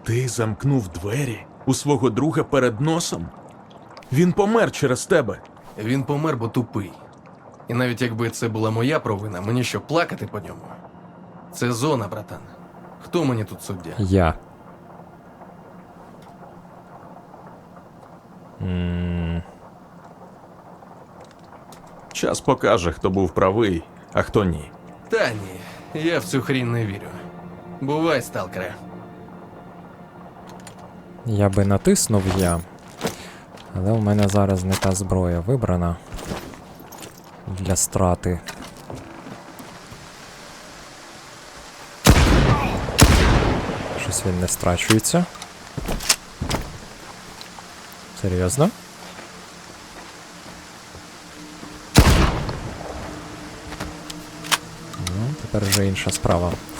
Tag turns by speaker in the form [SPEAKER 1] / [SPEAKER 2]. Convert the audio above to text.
[SPEAKER 1] Ти замкнув двері у свого друга перед носом? Він помер через тебе.
[SPEAKER 2] Він помер, бо тупий. І навіть якби це була моя провина, мені що, плакати по ньому? Це зона, братан. Хто мені тут суддя?
[SPEAKER 3] Я.
[SPEAKER 1] Час покаже, хто був правий, а хто ні.
[SPEAKER 2] Та ні, я в цю хрінь не вірю. Бувай, сталкере.
[SPEAKER 3] Я би натиснув я. Але у мене зараз не та зброя вибрана для страти. Щось він не страчується. Серйозно? Ну, тепер вже інша справа.